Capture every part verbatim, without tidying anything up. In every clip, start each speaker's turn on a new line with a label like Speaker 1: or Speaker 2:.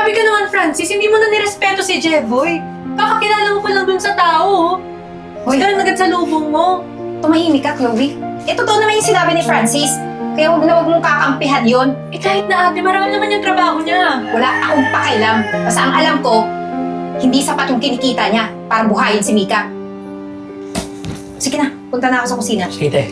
Speaker 1: Grabe ka naman, Francis. Hindi mo na nirespeto si Jeboy. Kakakilala mo pa lang dun sa tao. Hoy, ganun agad sa lubong mo.
Speaker 2: Tumahimik ka, Chloe. Eh, totoo naman yung sinabi ni Francis. Kaya huwag na huwag mong kakampihan yun.
Speaker 1: Eh kahit na ate, marangal naman yung trabaho niya.
Speaker 2: Wala akong pakialam. Basta ang alam ko, hindi sapat yung kinikita niya para buhayin si Mika. Sige na, punta na ako sa kusina.
Speaker 3: Sige, te.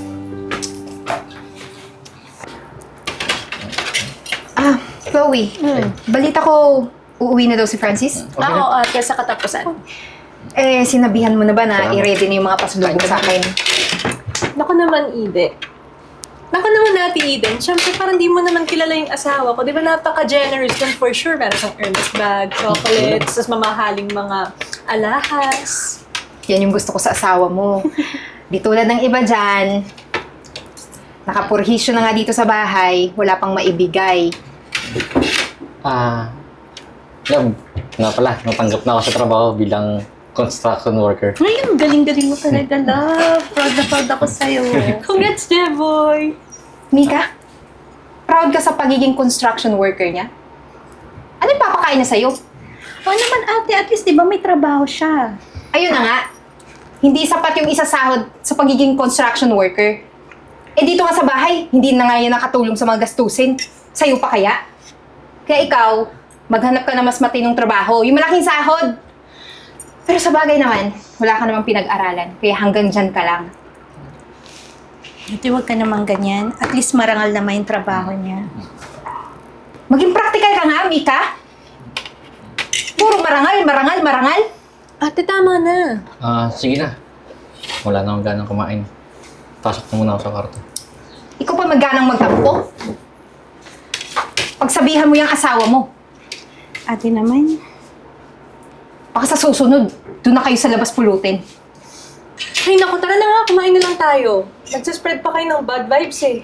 Speaker 2: Ah, Chloe. Balita ko, uuwi na daw si Francis.
Speaker 3: Okay
Speaker 1: Oo,
Speaker 3: na.
Speaker 1: ate, sa katapusan.
Speaker 2: Eh, sinabihan mo na ba na
Speaker 3: Salamat.
Speaker 2: i-ready na yung mga pasalubong sa akin?
Speaker 1: Naku naman, Ide. Naku naman natin, Eden. Siyempre, parang di mo naman kilala yung asawa ko. Di ba napaka-generous dun for sure. Meron kang Hermes bag, chocolates, tapos mamahaling mga alahas.
Speaker 2: Yan yung gusto ko sa asawa mo. Di tulad ng iba dyan, nakapurhisyo na nga dito sa bahay, wala pang maibigay.
Speaker 4: Ah, love, nga pala, natanggap na ako sa trabaho bilang construction worker.
Speaker 1: Ngayon, galing-galing mo talaga, love. Proud na proud ako sa'yo. Congrats, Jeboy!
Speaker 2: Mika, proud ka sa pagiging construction worker niya? Ano yung papakain niya sa'yo?
Speaker 5: O naman ate, at least di ba may trabaho siya?
Speaker 2: Ayun na nga, hindi sapat yung isasahod sa pagiging construction worker. Eh dito nga sa bahay, hindi na nga yan nakatulong sa mga gastusin. Sa'yo pa kaya? Kaya ikaw, maghanap ka na mas matinong trabaho, yung malaking sahod. Pero sa bagay naman, wala ka namang pinag-aralan, kaya hanggang dyan ka lang.
Speaker 5: Ate, huwag ka naman ganyan. At least marangal naman yung trabaho niya.
Speaker 2: Maging practical ka nga, Mika. Puro marangal, marangal, marangal.
Speaker 1: Ate, tama na.
Speaker 4: Ah, sige na. Wala na akong ganang kumain. Pasok na muna ako sa kwarto.
Speaker 2: Ikaw pa magganang magtampo. Pagsabihan mo yung asawa mo,
Speaker 5: Ate naman,
Speaker 2: baka sa susunod, doon na kayo sa labas pulutin.
Speaker 1: Ay, naku, tara na nga. Kumain na lang tayo. Nagsaspread pa kayo ng bad vibes eh.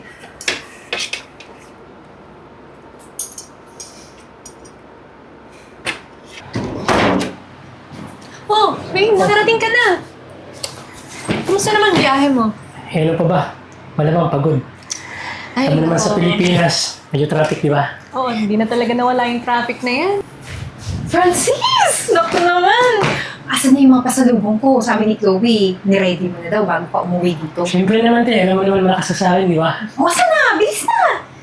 Speaker 1: Oh, Wayne, nakarating ka na. Kumusta naman biyahe mo?
Speaker 3: Eh, ano pa ba? Malamang pagod.
Speaker 1: Ay,
Speaker 3: Alam mo naman sa
Speaker 1: oo.
Speaker 3: Pilipinas, medyo traffic, di ba?
Speaker 1: Oo, hindi na talaga nawala yung traffic na yan.
Speaker 2: Francis! Naku naman! Asan na yung mga pasalubong ko? Sabi ni Chloe, niready mo na daw bago pa umuwi dito.
Speaker 3: Siyempre naman, te. Alam mo naman malakas sa akin, di ba?
Speaker 2: O, asan na? Bilis na!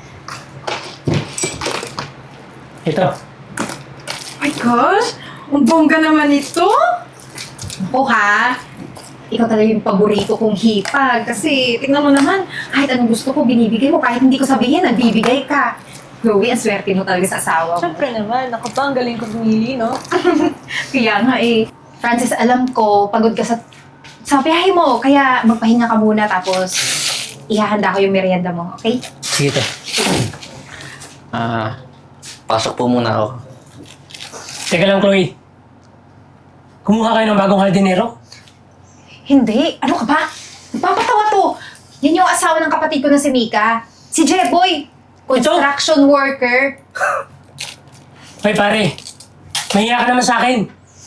Speaker 3: Ito.
Speaker 2: Oh my gosh! Ang bongga naman ito! Ako ha? Ikaw talaga yung paborito kong hipag. Kasi, tingnan mo naman, kahit anong gusto ko, binibigay mo. Kahit hindi ko sabihin, nagbibigay ka. Chloe, ang swerte mo talaga sa asawa mo.
Speaker 1: Siyempre naman, ako pa ang galing ko pumili, no?
Speaker 2: Kaya nga eh. Francis, alam ko, pagod ka sa, sa biyahe mo. Kaya magpahinga ka muna tapos ihahanda ko yung merienda mo, okay?
Speaker 3: Sige, te.
Speaker 4: Ah, pasok po muna ako.
Speaker 3: Teka lang, Chloe. Kumuha kayo ng bagong hardinero?
Speaker 2: Hindi. Ano ka ba? Nagpapatawa to. Yan yung asawa ng kapatid ko na si Mika. Si Jeboy. Construction worker.
Speaker 3: Hoy, pare. Mahiya ka naman sa akin.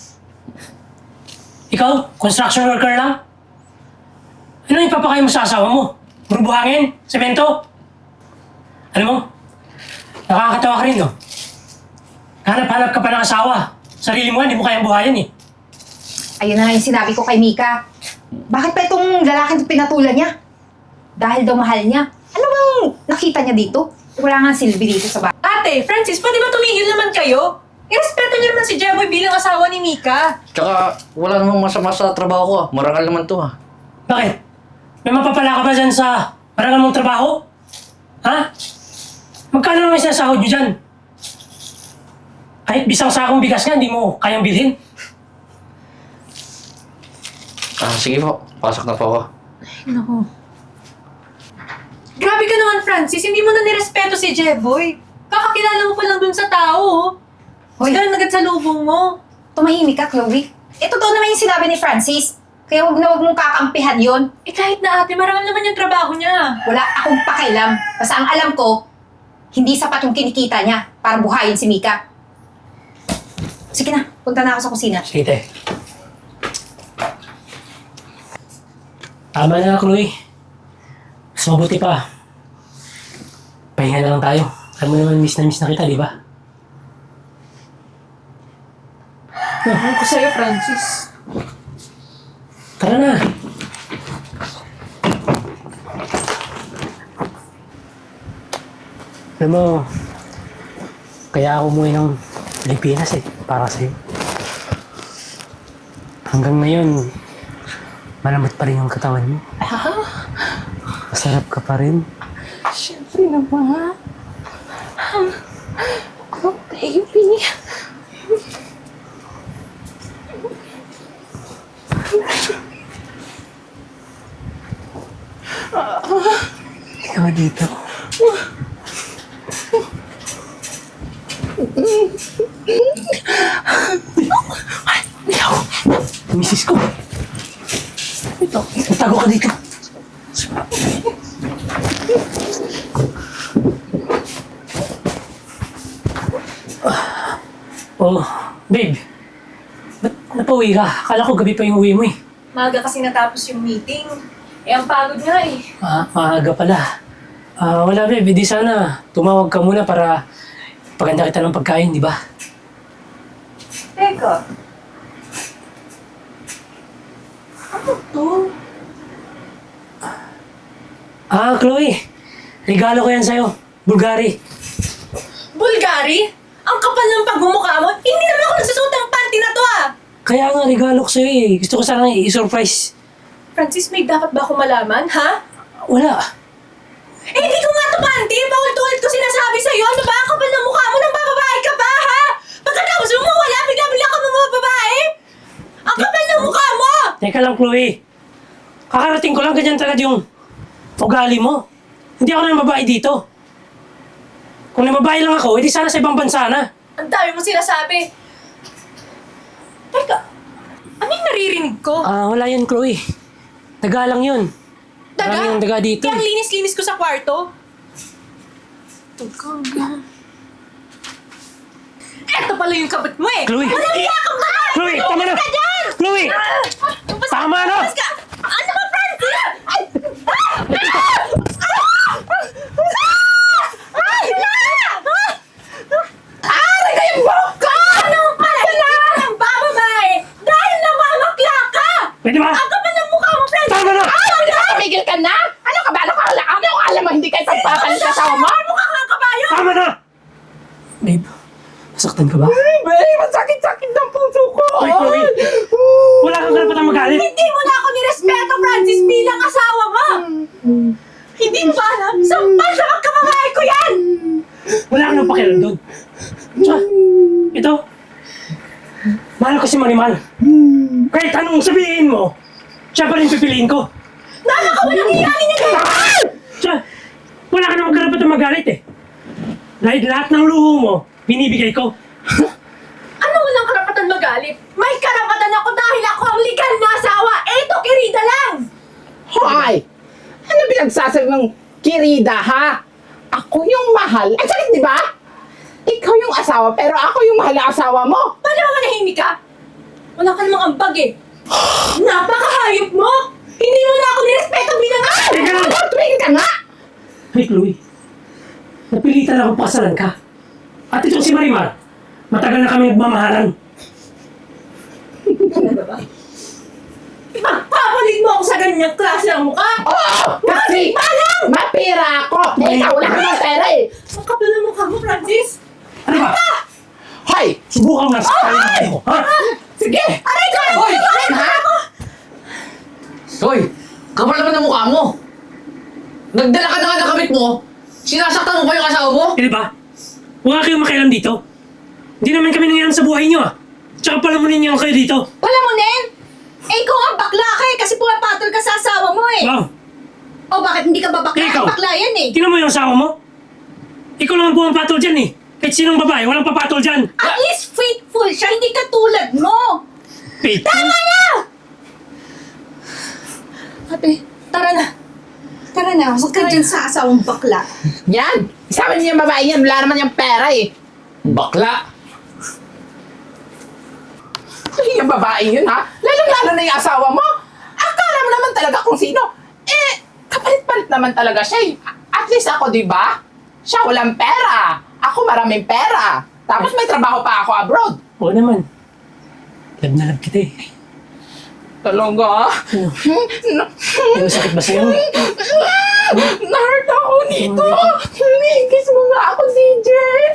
Speaker 3: Ikaw, construction worker lang? Ano yung papakain mo sa asawa mo? Puro buhangin? Semento? Alam mo, nakakatawa ka rin, no? Hanap-hanap ka pa ng asawa. Sarili mo, hindi mo kayang buhayin, eh.
Speaker 2: Ayun na nga yung sinabi ko kay Mika. Bakit pa itong lalaking pinatulan niya? Dahil daw mahal niya. Ano bang nakita niya dito? Wala nga silbi dito sa bahay.
Speaker 1: Ate, Francis, pwede ba tumigil naman kayo? Irespeto niyo naman si Jeboy bilang asawa ni Mika.
Speaker 4: Tsaka, wala namang masama sa trabaho ko ah. Marangal naman to ah.
Speaker 3: Bakit? May mapapala ka ba dyan sa marangal mong trabaho? Ha? Magkano naman sinasahod nyo dyan? Kahit bisang sakong bigas nga, hindi mo kayang bilhin.
Speaker 4: Ah, sige po. Pasok na po ako.
Speaker 1: Naku. Grabe ka naman, Francis. Hindi mo na nirespeto si Jeboy. Kakakilala mo pa lang dun sa tao. Hoy, ganun agad sa lubong mo.
Speaker 2: Tumahimik ka, Chloe. Eh, totoo naman yung sinabi ni Francis. Kaya huwag na huwag mong kakampihan yun.
Speaker 1: Eh kahit na ate, marangal naman yung trabaho niya.
Speaker 2: Wala akong pakialam. Basta ang alam ko, hindi sapat yung kinikita niya para buhayin si Mika. Sige na, punta na ako sa kusina.
Speaker 3: Sige, te. Tama na, Chloe. Mas mabuti pa. Pahinga na lang tayo. Alam mo naman, miss na miss na kita, di ba?
Speaker 1: Ewan ko sa'yo, Francis.
Speaker 3: Tara na. Alam mo, kaya ako umuwi ng Pilipinas eh, para sa'yo. Hanggang ngayon, malamot pa rin yung katawan mo. Masarap ka pa rin.
Speaker 2: Siyempre naman. Oh, baby.
Speaker 3: Ikaw dito. Misis ko. Ito, tago ka dito. Oh, babe. Ba't napauwi ka? Akala ko gabi pa yung uwi mo eh.
Speaker 1: Maaga kasi natapos yung meeting. Eh, ang pagod nga eh.
Speaker 3: Ah, maaga pala. Ah, wala babe, di sana tumawag ka muna para paganda kita ng pagkain, di ba?
Speaker 1: Teka. Ano to?
Speaker 3: Ah, Chloe. Regalo ko yan sa'yo. Bulgari.
Speaker 1: Bulgari? Ang kapal ng pagmumukha mo? Hindi naman ako nagsusuot ng panty na to ah!
Speaker 3: Kaya nga, regalo ko sa'yo eh. Gusto ko sanang i-surprise.
Speaker 1: Francis, may dapat ba ako malaman, ha?
Speaker 3: Wala.
Speaker 1: Eh, hindi ko nga to panty! Paulit-ulit ko sinasabi sa'yo! Ano ba? Ang kapal ng mukha mo nang bababae ka ba, ha? Pagkatapos mo mawala, bigla-bigla ka mga babae! Ang kapal ng mukha mo!
Speaker 3: Teka lang, Chloe. Kakarating ko lang ganyan talaga yung ugali mo. Hindi ako nang babae dito. Kung nababae lang ako, edi sana sa ibang bansa na.
Speaker 1: Ang dami mo sinasabi. Teka, ano yung naririnig ko?
Speaker 3: Ah, wala yan, Chloe. Daga lang yun.
Speaker 1: Daga?
Speaker 3: Marami yung daga dito.
Speaker 1: Kaya ang linis-linis ko sa kwarto. Daga. Eto pala yung kabit mo eh!
Speaker 3: Chloe!
Speaker 1: Walang iya ka ba?
Speaker 3: Chloe, tama na!
Speaker 1: Ka dyan!
Speaker 3: Chloe!
Speaker 1: Basta-
Speaker 3: Tama na!
Speaker 1: basta ka- Ano ba, Francis? Ay! Ay! Aray ko yung buhok ko! Anong pala? Hindi ka ng bababae dahil namamakla ka!
Speaker 3: Pwede ba?
Speaker 1: Ang kapal ng mukha mo, Francis!
Speaker 3: Tama na!
Speaker 6: Tumigil ka na! Ano ka ba? Ano ka, ano ka alam mo hindi kayo pagpapalit sa asawa mo?
Speaker 1: Mukha kang kabayo!
Speaker 3: Tama na! Babe, nasaktan ka ba?
Speaker 6: Babe, masakit-sakit ng puso ko!
Speaker 3: Hoy, Chloe! Wala kang karapatang magalit!
Speaker 1: Hindi mo na ako nirespeto, Francis, bilang asawa mo! Hindi mo ba alam? Sampal sa magkababae ko yan!
Speaker 3: Wala kang pakialam doon. Tsaka, ito. Mahal ko si Marimal. Kahit anong sabihin mo, siya pa rin pipiliin ko.
Speaker 1: Nana ka walang hiyanin niya dito!
Speaker 3: Tsaka, wala ka namang karapatang magalit eh. Dahil lahat ng luho mo, binibigay ko.
Speaker 1: Ano walang karapatan magalit? May karapatan ako dahil ako ang legal na asawa! Eto, kirida lang!
Speaker 6: Hoy! Ano pinagsasabi mong kirida, ha? Ako yung mahal. Ang sakit, di ba? Ikaw yung asawa, pero ako yung mahal na asawa mo.
Speaker 1: Paano naman nahimik ka? Wala ka namang ambag eh. Napakahayop mo! Hindi mo na ako nirespeto bilang asawa!
Speaker 3: Teka lang!
Speaker 6: Ano, tumigil ka nga!
Speaker 3: Hey, Chloe. Napilitan akong pakasalan ka. At itong si Marimar, matagal na kami nagmamahalan.
Speaker 1: Ipagpapalit mo ako sa ganyang klase ng mukha!
Speaker 6: Oo! Kasi mapira ako! Eh, ikaw wala ka ng pera eh!
Speaker 1: Ang kapal ng mukha mo, Francis!
Speaker 3: Ano ba?
Speaker 6: Hoy!
Speaker 3: Subukan mo lang sa tayo mo, ha?
Speaker 6: Sige!
Speaker 1: Aray ko!
Speaker 6: Hoy!
Speaker 1: Aray ko!
Speaker 6: Ha?
Speaker 4: Hoy! Kapal naman ang mukha mo! Nagdala ka na nga ng kamit mo! Sinasaktan mo pa yung asawa mo?
Speaker 3: Eh, di ba? Huwag kayong makialam dito. Hindi naman kami nangyayang sa buhay niyo, ah. Tsaka pala mo ninyo kayo dito.
Speaker 5: Palamunin? Eh, ikaw ang bakla ka eh, kasi pumapatol ka sa asawa mo eh.
Speaker 3: Wow!
Speaker 5: O bakit hindi ka ba bakla?
Speaker 3: Ikaw.
Speaker 5: Eh, bakla yan eh.
Speaker 3: Tingnan mo yung asawa mo. Ikaw lang ang pumapatol dyan, eh. Kahit sinong babae, walang papatol dyan.
Speaker 5: At least faithful siya, hindi katulad mo.
Speaker 3: Faith.
Speaker 5: Tama na! Ate, tara na. Tara na, huwag ka dyan sa asawang bakla.
Speaker 6: Yan! Sabi niya yung babae yan, wala naman yung pera eh.
Speaker 4: Bakla!
Speaker 6: Ay, yung babae yun ha? Lalong-lalo na yung asawa mo. Akala mo naman talaga kung sino. Eh, kapalit-palit naman talaga siya eh. At least ako, di ba? Siya walang pera. Ako maraming pera. Tapos may trabaho pa ako abroad.
Speaker 3: Oo naman. Love na love kita eh.
Speaker 6: Talaga?
Speaker 3: Ano? Ano sakit ba sa'yo?
Speaker 6: Na-hurt ako nito. Kiss mo nga ako, D J.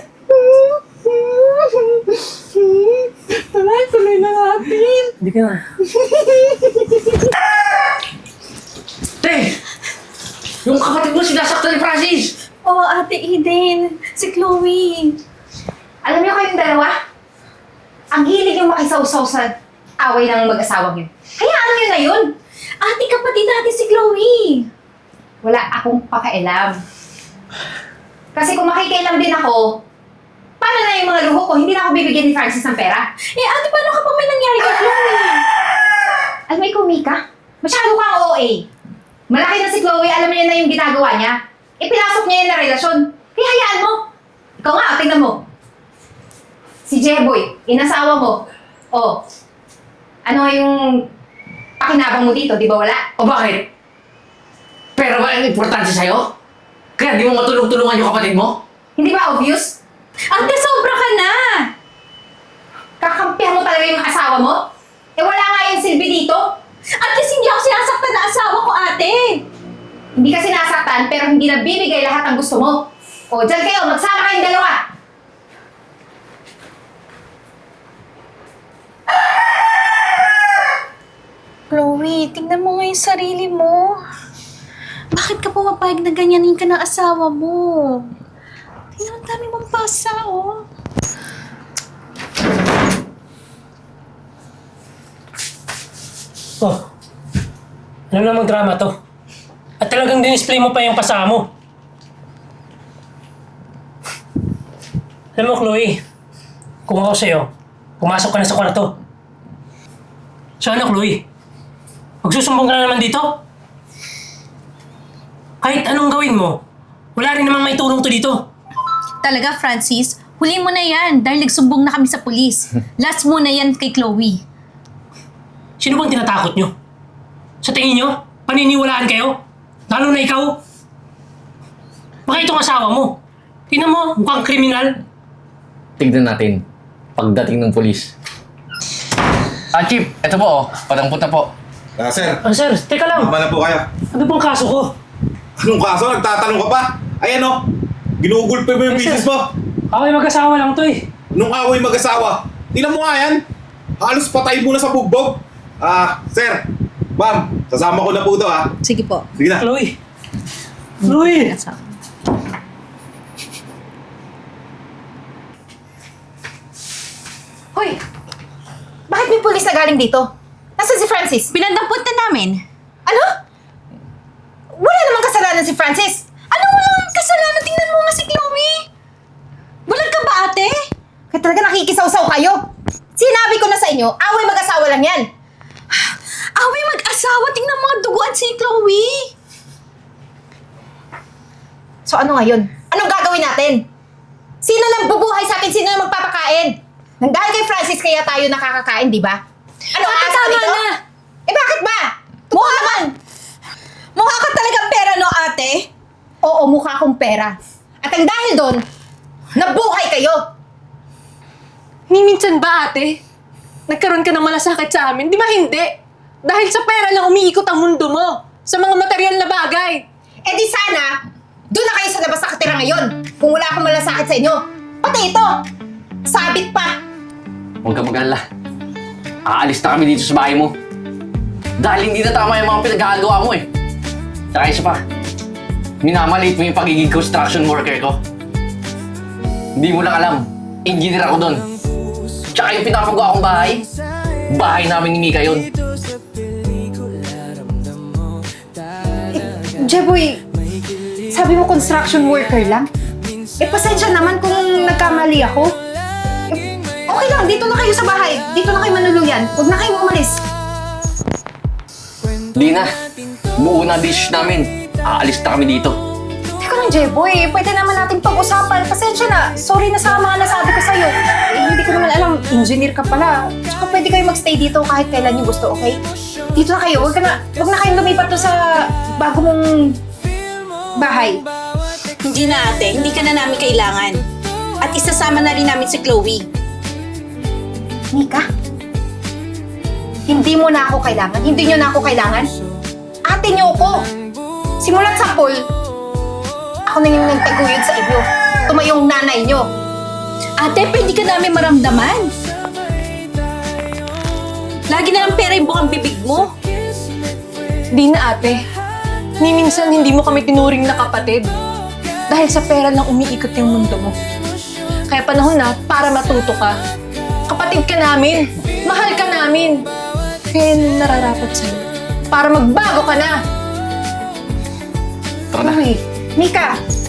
Speaker 6: Tara, tuloy na natin.
Speaker 3: Hindi ka na.
Speaker 7: Te! Yung kapatid mo sinasaktan ni Francis!
Speaker 5: Oo, Ate Eden. Si Chloe.
Speaker 2: Alam niyo kayong dalawa? Ang hilig yung makisawsaw sa away ng mag-asawang yun. Hayaan niyo na yun.
Speaker 5: Ate, kapatid natin si Chloe.
Speaker 2: Wala akong pakialam. Kasi kung makikialam din ako, paano na yung mga luho ko? Hindi na ako bibigyan ni Francis ng pera.
Speaker 5: Eh, ate, paano kapag may nangyari kay Chloe?
Speaker 2: Alam mo, ikaw, Mika, masyado kang O A. Malaki na si Chloe, alam niya na yung ginagawa niya. Ipinasok niya yun na relasyon. Kaya hayaan mo. Ikaw nga, tingnan mo. Si Jeboy, inasawa mo. Oh, ano nga yung pakinabang mo dito, di ba wala?
Speaker 7: O bakit? Pero ba ang importante sa'yo? Kaya di mo matulong-tulungan yung kapatid mo?
Speaker 2: Hindi ba obvious?
Speaker 5: Ate, sobra ka na.
Speaker 2: Kakampihan mo talaga yung asawa mo? Eh wala nga yung silbi dito.
Speaker 5: At least hindi ako sinasaktan na asawa ko, ate.
Speaker 2: Hindi ka sinasaktan pero hindi nabibigay lahat ng gusto mo. O, dyan kayo, magsama kayong dalawa.
Speaker 5: Chloe, tingnan mo nga yung sarili mo. Bakit ka pumapayag na ganyanin ka ng asawa mo? Tingnan, ang dami mong pasa, oh.
Speaker 3: Oh, ano namang drama to? At talagang dinisplay mo pa yung pasama mo. Alam mo, Chloe, kung ako sa'yo, pumasok ka na sa kwarto. So ano, Chloe? Magsusumbong ka na naman dito? Kahit anong gawin mo, wala rin namang may tulong to dito.
Speaker 5: Talaga, Francis, huli mo na yan dahil nagsumbong na kami sa pulis. Last mo na yan kay Chloe.
Speaker 3: Sino bang tinatakot nyo? Sa tingin nyo, paniniwalaan kayo? Lalo na ikaw? Baka itong asawa mo. Tingnan mo, mukhang kriminal.
Speaker 4: Tignan natin. Pagdating ng polis.
Speaker 7: Ah, Chief, ito po oh. Padampot na po.
Speaker 8: Ah, sir,
Speaker 3: Ah, sir, teka lang.
Speaker 8: tama na po kayo.
Speaker 3: Ano bang kaso ko?
Speaker 8: Anong kaso? Nagtatanong ka pa? Ayan o, ginugulpe mo yung
Speaker 3: Yes, sir.
Speaker 8: misis mo.
Speaker 3: Ako ay mag-asawa lang to eh.
Speaker 8: Nung away mag-asawa. Tingnan mo nga yan. Halos patay mo na sa bugbog. Ah, sir, ma'am, sasama ko na po ito ha.
Speaker 5: Sige po.
Speaker 8: Sige na.
Speaker 3: Chloe. Chloe.
Speaker 2: Hoy! Bakit may pulis na galing dito? Nasaan si Francis?
Speaker 5: Pinandampot na namin.
Speaker 2: Ano? Wala namang kasalanan si Francis.
Speaker 5: Ano walang kasalanan? Tingnan mo nga si Chloe. Bulag ka ba, ate?
Speaker 2: Kaya talaga nakikisaw-saw kayo. Sinabi ko na sa inyo, away mag-asawa lang yan.
Speaker 5: Away mag-asawa. Tingnan mo nga duguan si Chloe.
Speaker 2: So ano ngayon? Anong gagawin natin? Sino nang bubuhay sa atin? Sino nang magpapakain? Nang dahil kay Francis kaya tayo nakakakain, di ba? Ano
Speaker 5: Ate,
Speaker 2: asa
Speaker 5: tama
Speaker 2: dito?
Speaker 5: na.
Speaker 2: Eh bakit ba? Mukha naman!
Speaker 5: Mukha ka talagang pera, no, ate?
Speaker 2: Oo, mukha akong pera. At ang dahil doon, nabuhay kayo!
Speaker 1: Ni minsan ba, ate? Nagkaroon ka ng malasakit sa amin? Di ba hindi? Dahil sa pera lang umiikot ang mundo mo. Sa mga material na bagay.
Speaker 2: Eh di sana, doon na kayo sa labas nakatira ngayon. Kung wala akong malasakit sa inyo. Pati ito, sabit pa.
Speaker 7: Huwag ka mag-alala. Aalis na kami dito sa bahay mo. Dahil hindi na tama yung mga pinagkakagawa mo eh. Saka isa pa, minamaliit mo yung pagiging construction worker ko. Hindi mo lang alam, engineer ako doon. Tsaka yung pinapagawa kong bahay, bahay namin ni Mika yun.
Speaker 2: Jeboy, sabi mo construction worker lang? Eh, pasensya naman kung nagkamali ako. Eh, okay lang, dito na kayo sa bahay. Dito na kayo manuluyan. Huwag na kayong umalis.
Speaker 7: Di na, buo na dish namin. Aalis na kami dito.
Speaker 2: Teka lang, Jeboy. Pwede naman natin pag-usapan. Pasensya na. Sorry na sa mga nasabi ko sa'yo. Eh, hindi ko naman alam. Engineer ka pala. Tsaka pwede kayo magstay dito kahit kailan nyo gusto, okay? Dito na kayo. Huwag, ka na, huwag na kayong lumipat to sa bago mong bahay.
Speaker 5: Hindi na, ate. Hindi ka na namin kailangan. At isasama na rin namin si Chloe.
Speaker 2: Mika, Hindi mo na ako kailangan. Hindi nyo na ako kailangan. Ate nyo ko. Simulat sa pool, ako na yung nagtaguyod sa inyo. Tumayong nanay nyo.
Speaker 5: Ate, pwede ka namin maramdaman. Lagi na lang pera yung bukang bibig mo.
Speaker 1: Di na ate. Ni minsan hindi mo kami tinuring na kapatid. Dahil sa pera lang umiikot yung mundo mo. Kaya panahon na para matuto ka. Kapatid ka namin. Mahal ka namin. Kaya yun ang nararapat sa'yo. Para magbago ka na.
Speaker 4: Tara na.
Speaker 2: Uy, Mika,